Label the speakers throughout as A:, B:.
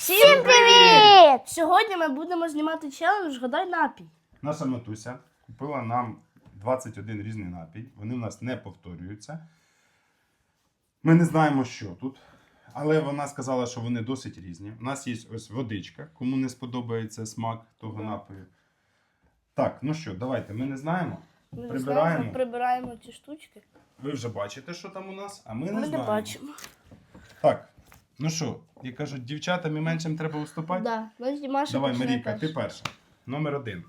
A: Всім привіт!
B: Сьогодні ми будемо знімати челендж «Гадай напій».
C: Наша матуся купила нам 21 різний напій. Вони в нас не повторюються. Ми не знаємо, що тут. Але вона сказала, що вони досить різні. У нас є ось водичка, кому не сподобається смак того напою. Так, ну що, давайте, ми не знаємо.
B: Ми
C: Прибираємо.
B: Прибираємо ці штучки.
C: Ви вже бачите, що там у нас, а ми не
B: Ми не
C: знаємо.
B: бачимо.
C: Так, ну що, як кажуть, дівчатам і меншим треба уступати?
B: Да. Ми Маша
C: Давай,
B: почне
C: Марійка,
B: перша.
C: ти перша. Номер 1.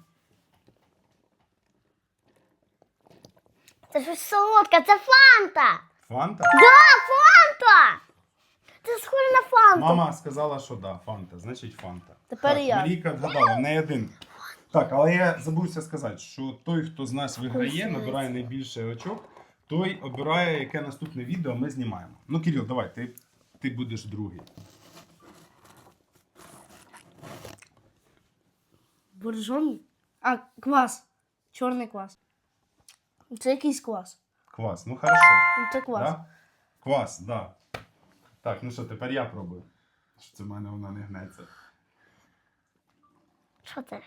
A: Це щось солодке, це фанта!
C: Фанта?
A: Фанта! Це схоже на фанту.
C: Мама сказала, що да, фанта, значить фанта.
B: Тепер
C: так,
B: я.
C: Марійка вгадала, в неї один. Так, але я забувся сказати, що той, хто з нас виграє, набирає найбільше очок, той обирає, яке наступне відео ми знімаємо. Ну, Кирил, давай, ти будеш другий.
B: Боржомі? А, квас. Чорний квас. Це якийсь квас.
C: Квас, ну хорошо.
B: Ну, це квас.
C: Да? Квас, да. Так, ну що, тепер я пробую. Що це в мене вона не гнеться.
A: Що це?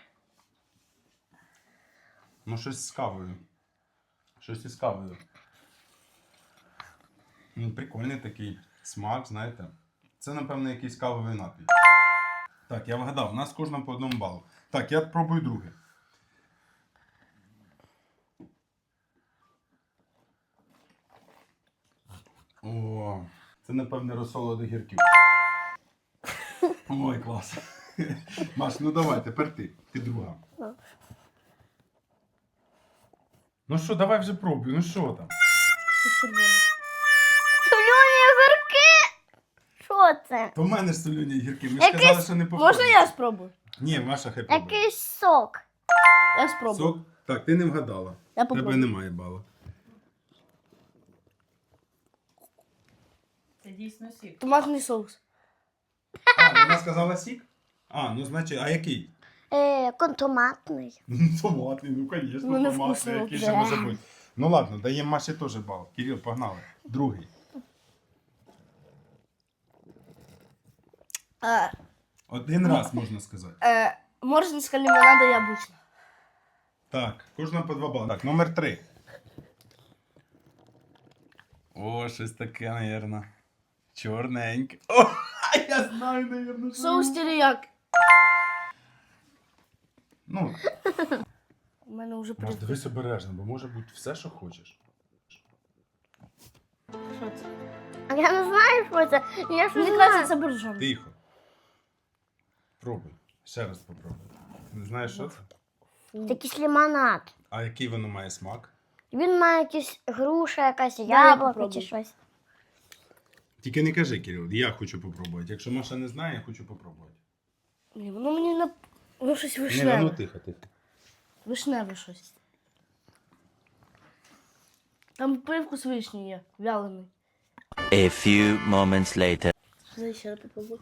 C: Ну, щось з кавою. Щось із кавою. Ну, прикольний такий смак, знаєте. Це, напевно, якийсь кавовий напій. Так, я вгадав, у нас кожному по одному балу. Так, я пробую друге. О, це, напевне, розсоло до гірків. Ой, клас. Маш, ну давай, тепер ти. Ти друга. Ну що, давай вже пробуй, ну що там?
B: Це червоний.
A: Солюні огірки! Що це?
C: То в мене ж солюні гірки, ми ж
A: Якийсь-
C: сказали, що не повторюємо.
B: Можна я спробую?
C: Ні, Маша хай пробує.
A: Якийсь сок.
B: Я спробую.
C: Сок? Так, ти не вгадала.
B: Я
C: Тебе
B: попробую.
C: немає бала.
D: Це дійсно сік.
B: Томатний соус.
C: А, вона сказала сік? А, ну значить, а який?
A: Контоматний.
C: Томатний, ну звісно,
B: Ну, не
C: томатний,
B: вкусно,
C: який
B: да.
C: ще може бути. Ну ладно, даємо Маші теж бал. Кирил, погнали. Другий. Один раз можна сказати.
B: Морзинська лимонада яблучна.
C: Так, кожного по 2 бали. Так, номер 3. О, щось таке, навірно. Чорненьке. О, я знаю, навірно, що.
B: Соус теріяк.
C: Ну,
B: У мене вже
C: Маш,
B: прийде.
C: дивись обережно, бо може бути все, що хочеш.
B: Що це?
A: А я не знаю, що це. Я ж
B: Мені
A: не
B: кажеться,
A: знаю.
B: це боржомі.
C: Тихо. Пробуй. Ще раз попробуй. Не знаєш, що це?
A: Це якийсь лимонад.
C: А який воно має смак?
A: Він має якісь груша, якась
B: я
A: яблуко
B: попробую.
A: чи щось.
C: Тільки не кажи, Кирил, я хочу попробувати. Якщо Маша не знає, я хочу попробувати.
B: Ні, воно мені на... Ну, щось
C: Ні, ну
B: вишневе.
C: тихо, тихо.
B: Вишневе щось. Там привкус вишні є, вялений.
E: A few moments later.
B: Дай ще раз попробуй.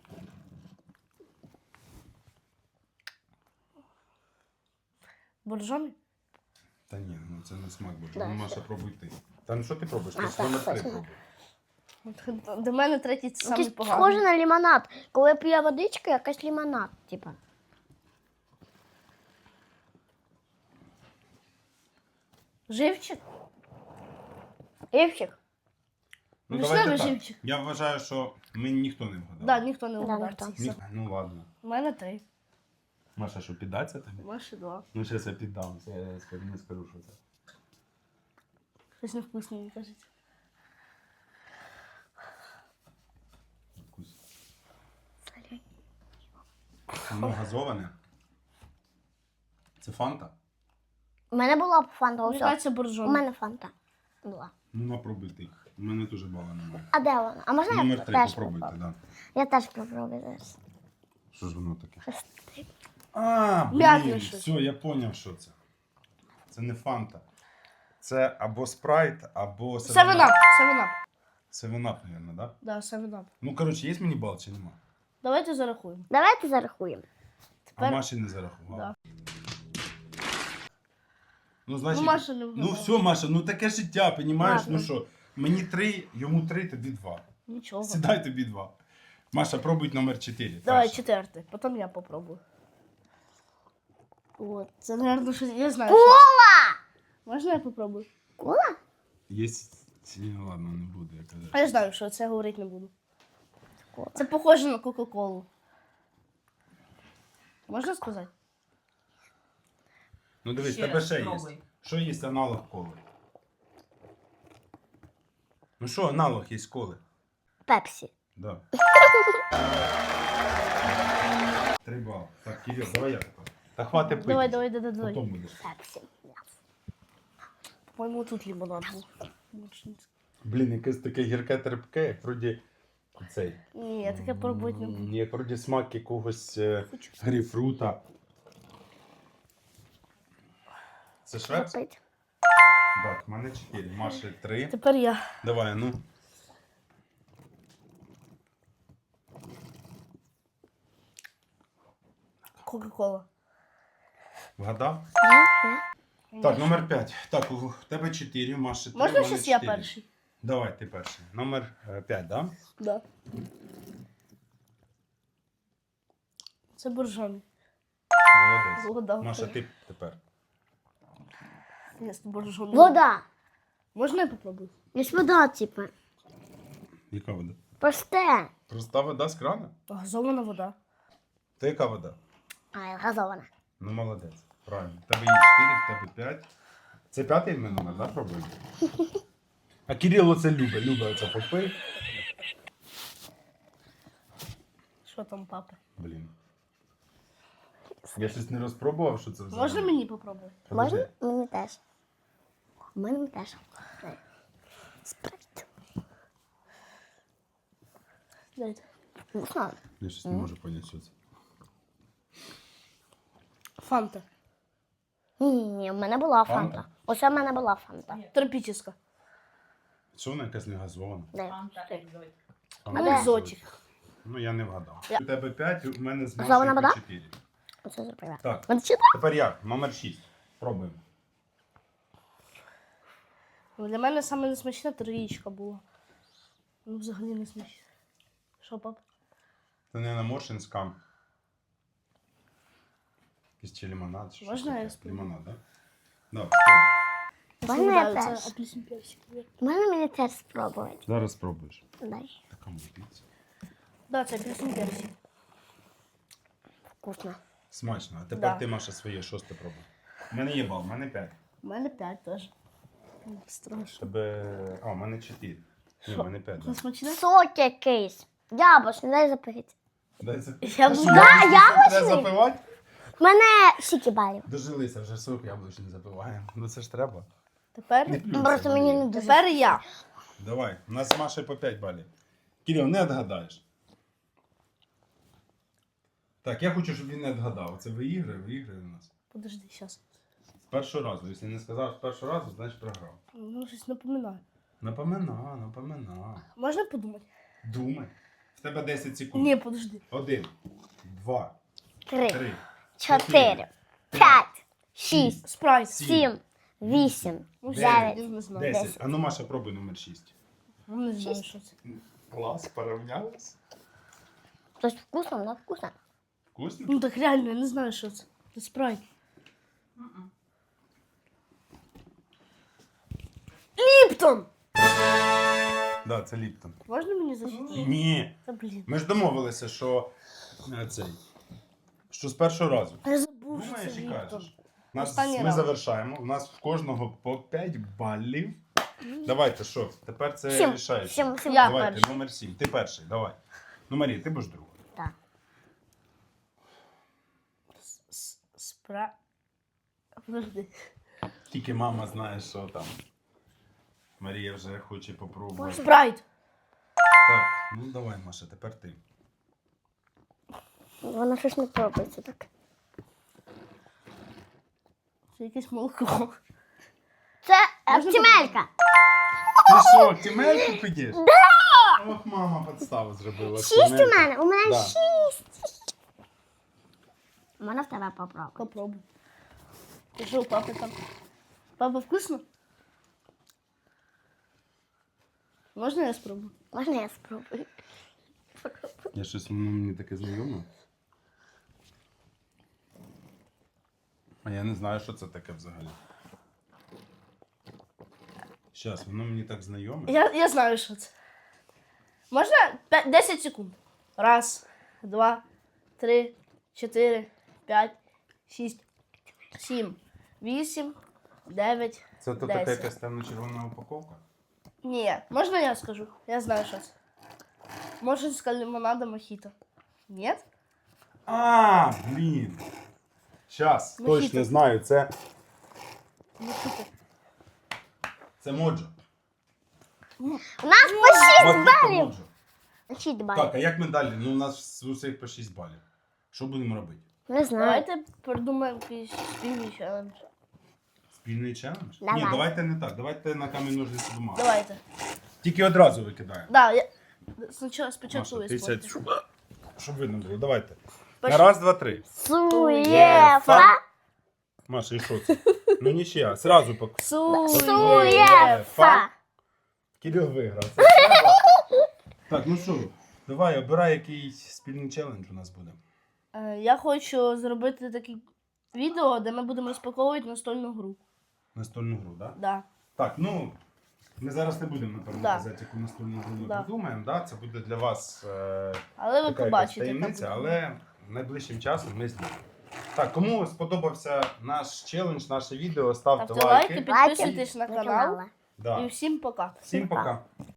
B: Боржомі?
C: Та ні, ну це не смак буде.
A: Да,
C: Ну, Маша, пробуй ти. Та ну що ти пробуєш? Ти
A: А,
C: ж
A: так,
C: номер 3
A: точно.
C: пробуй.
B: До мене третій це самий
A: Якийсь
B: поганий.
A: схоже на лимонад. Коли п'є водичка, якась лимонад, типа.
B: Живчик?
A: Івчик?
C: Ну
B: Вишневий
C: давайте так.
B: живчик.
C: Я вважаю, що ми ніхто не вгадав.
B: Да, ніхто не
A: Да,
B: угадав.
A: ніхто.
B: Це все.
C: Ну ладно.
B: У мене 3.
C: Маша, що піддаться тобі?
B: Маші 2.
C: Ну зараз я піддам, це я не скажу, що це.
B: Щось невкусне, мені кажеться.
C: Вкус. Воно газоване. Це фанта?
A: У мене була фанта.
B: Мені
A: Усе.
B: кажеться
A: У
B: боржомі.
A: мене фанта була.
C: Ну напробуй ти. У мене теж бала немає.
A: А де вона? А можна
C: Номер
A: я
C: 3,
A: теж
C: попробуйте,
A: попробую?
C: да.
A: Я теж попробую зараз.
C: Що ж воно таке?
A: Щось
C: А,
B: М'ятне
C: блін,
B: щось.
C: все, я зрозумів, що це. Це не фанта. Це або спрайт, або
B: Севенап. Севенап.
C: Севенап, мабуть, да?
B: Да, севенап.
C: Ну, коротше, є мені бал чи нема?
B: Давайте зарахуємо.
A: Давайте зарахуємо.
C: А
B: Тепер...
C: Маші не зарахував.
B: Да.
C: Ну, значить,
B: Ну, Маша не
C: ну
B: вгадала.
C: все, Маша, ну таке життя, понімаєш?
B: Ладно.
C: Ну що, мені 3, йому 3, тобі 2.
B: Нічого.
C: Сідай тобі 2. Маша, пробуй номер 4.
B: Давай, четвертий. Потім я попробую. От, це, наверное, щось, я знаю. що
A: Кола!
B: це. Можна я попробую?
A: Кола?
C: Єсть. Ні, ладно, не буду, я кажу.
B: А я знаю, що це говорити не буду.
A: Кола.
B: Це похоже на Кока-Колу. Можна сказати?
C: Ну дивись,
D: Ще
C: тебе
D: раз
C: ще є.
D: спробуй.
C: Що є аналог коли? Ну що, аналог є коли?
A: Пепсі.
C: Да. 3 бали. Так, Кирил, давай я тепер. Та хватить пити.
B: Давай.
C: Потім будеш.
A: Пепсі.
B: По-моєму, тут лимонад був.
C: Блін, якесь таке гірке терпке, як вроді цей.
B: Ні, я таке пробувати не буду.
C: Як вроді смак якогось
B: Хочу.
C: грейпфрута. Це швепс?
A: Попить.
C: Так, в мене 4, Маші 3.
B: Тепер я.
C: Давай, ну.
B: Кока-Кола.
C: Вгадав?
A: Ні,
C: Так, номер 5. Так, у тебе 4, у Маші 3,
B: Можна
C: у мене
B: щось я
C: 4.
B: перший?
C: Давай, ти перший. Номер 5, да?
B: Да. Це боржомі.
C: Молодець.
B: Вода.
C: Маша, ти тепер.
B: Ні, це боржомі.
A: Вода.
B: Можна я попробую?
A: Є вода, типу.
C: Яка вода?
A: Просте.
C: Проста вода з крана?
B: Газована вода.
C: Та яка вода?
A: А, газована.
C: Ну, молодець. Правильно. В тебе є 4, в тебе 5. Це 5-й ми номер, да, пробуємо? А Кирило це любить. Любить оце попив.
B: Що там, папа?
C: Блін. Я щось не розпробував, що це взагалі.
B: Можна мені попробувати?
C: Подожди.
A: Можна? Мені теж. Мені теж. Спрайт.
B: Дайте.
A: Вкусно.
C: Я щось не можу поняти, що це.
B: Фанта.
A: Ні, в мене була
C: Фанта?
A: фанта. Ось у мене була фанта.
B: Тропічна.
C: Що вона якась не газована?
A: Дай.
D: Фанта екзотик.
C: Вона
B: Ну,
A: де?
B: екзотик.
C: Ну, я не вгадав.
B: Я-
C: У тебе 5, у мене з
A: Газована
C: Машею
A: вода?
C: 4.
A: Оце зробила.
C: Так,
A: Мене читає?
C: тепер я. Номер 6. Пробуємо.
B: Ну, для мене саме несмачна троєчка була. Ну, взагалі не смачна. Що, пап?
C: Це не Моршинська. Якийсь чи лимонад. Чи
B: Можна
C: щось
B: я
C: таке?
B: спробую?
C: Лимонад, так? Да? Да, спробуй.
A: Можна я
B: Це
A: теж?
B: апельсин персик.
A: Можна мені теж спробувати?
C: Зараз спробуєш.
A: Дай.
C: Така мутиця.
B: Да, це апельсин персик.
A: Вкусно.
C: Смачно. А тепер
B: Да.
C: ти, Маша, своє 6 пробуй. У мене є бал, у мене 5.
B: У мене 5 теж. Страшно.
C: Тебе. А, у мене 4. Ні, у мене 5.
B: Це смачне?
A: Сок якийсь. Яблучний, дай запити.
C: Дай це.
B: Я буду-
A: Да, яблучний?
C: Треба запивати?
A: В мене скільки балів.
C: Дожилися, вже сок яблучний запиваємо. Ну це ж треба.
B: Тепер?
C: Не плюйся,
A: Просто мені
C: Марія.
A: не дуже.
B: Тепер я.
C: Давай, у нас з Машею по 5 балів. Кирил, не відгадаєш. Так, я хочу, щоб він не відгадав. Це виіграє у нас.
B: Подожди, зараз.
C: З першого разу. Якщо не сказав з першого разу, значить програв.
B: Ну, щось напоминаю.
C: Напомина.
B: Можна подумати?
C: Думай. В тебе 10 секунд.
B: Ні, подожди.
C: 1, 2,
A: 3,
C: 3,
A: 4, 5, 6,
B: Спрайт.
A: 7, 8,
B: Ну,
A: 9.
B: я не знаю.
C: 10. А ну, Маша, пробуй номер 6.
B: Ну, не знаю, що це.
C: Клас, порівнялись.
A: Тобто вкусно, воно вкусно.
C: Вкусно?
B: Ну так реально, я не знаю, що це. Це спрайт. Ліптон!
C: Да, це Ліптон.
B: Можна мені зачитати?
C: Ні.
B: Та блін.
C: Ми ж домовилися, що що з першого разу.
B: Я забув, що
C: Думаєш
B: це
C: і
B: Ліптон.
C: кажеш. Нас,
B: Останній
C: ми
B: раунд.
C: завершаємо. У нас в кожного по 5 балів. Давайте, що? Тепер це
A: 7,
C: рішається.
A: 7, 7.
B: Я
C: Давайте,
B: перший.
C: номер 7. Ти перший, давай. Ну, Марія, ти будеш другий.
A: Так.
B: Подожди.
C: Тільки мама знає, що там. Марія вже хоче попробувати.
B: Спрайт.
C: Так, ну давай, Маша, тепер ти.
A: Воно щось не пробується так.
B: Це якесь молоко.
A: Це
B: Можна
A: оптимелька.
C: Ти що, тімельку підеш? Да! Ох, мама підставу зробила.
A: 6 у
C: Тімельку.
A: мене, у мене
C: Да.
A: 6. Можна в тебе попробувати?
B: Попробуй. Ти що, у папи там? Папа, вкусно? Можна я спробую?
A: Можна я спробую?
C: Я щось воно мені таке знайоме. А я не знаю, що це таке взагалі. Щас, воно мені так знайоме.
B: Я знаю, що це. Можна 10 секунд. 1, 2, 3, 4, 5, 6, 7, 8, 9,
C: Це то така
B: 10.
C: якась темно-червона упаковка?
B: Ні, можна я скажу? Я знаю, що це. Може, з лимонада мохіто. Ні?
C: А, блін. Щас,
B: Мохіто.
C: точно знаю, це
B: Мохіто.
C: моджо.
A: У нас по 6
C: Мохіто
A: балів.
C: моджо.
A: 6 балів.
C: Так, а як ми далі? Ну, у нас з усіх по 6 балів. Що будемо робити?
A: Не знаю.
B: Давайте придумаємо якийсь спільний челендж.
C: Спільний челендж?
A: Давай.
C: Ні, давайте не так. Давайте на камінь ножниці бумагу.
B: Давайте.
C: Тільки одразу викидаємо.
B: Да, я... Спочатку
C: Маша,
B: ви
C: ти сядь,
B: спортите.
C: щоб видно було. Давайте. На
B: Пошли.
C: раз, два, три.
A: Суєфа.
C: Маша, і що це? Ну нічия, сразу пак.
A: Суєфа.
C: Кирил виграв. Це треба. Так, ну що, давай, обирай, який спільний челендж у нас буде.
B: Я хочу зробити таке відео, де ми будемо розпаковувати настольну гру.
C: Настольну гру, так? Да?
B: Да.
C: Так, ну, ми зараз не будемо, напевно,
B: Да.
C: казати, яку настольну гру ми
B: Да.
C: придумаємо. Да? Це буде для вас
B: Але ви
C: така якась
B: побачите.
C: таємниця,
B: яка буде.
C: але найближчим часом ми знімемо. Так, кому сподобався наш челендж, наше відео, ставте
B: Ставте лайки,
C: лайки.
B: підписуйтесь на
A: До
B: канал.
A: канала.
C: Да.
B: І всім пока.
C: Всім пока.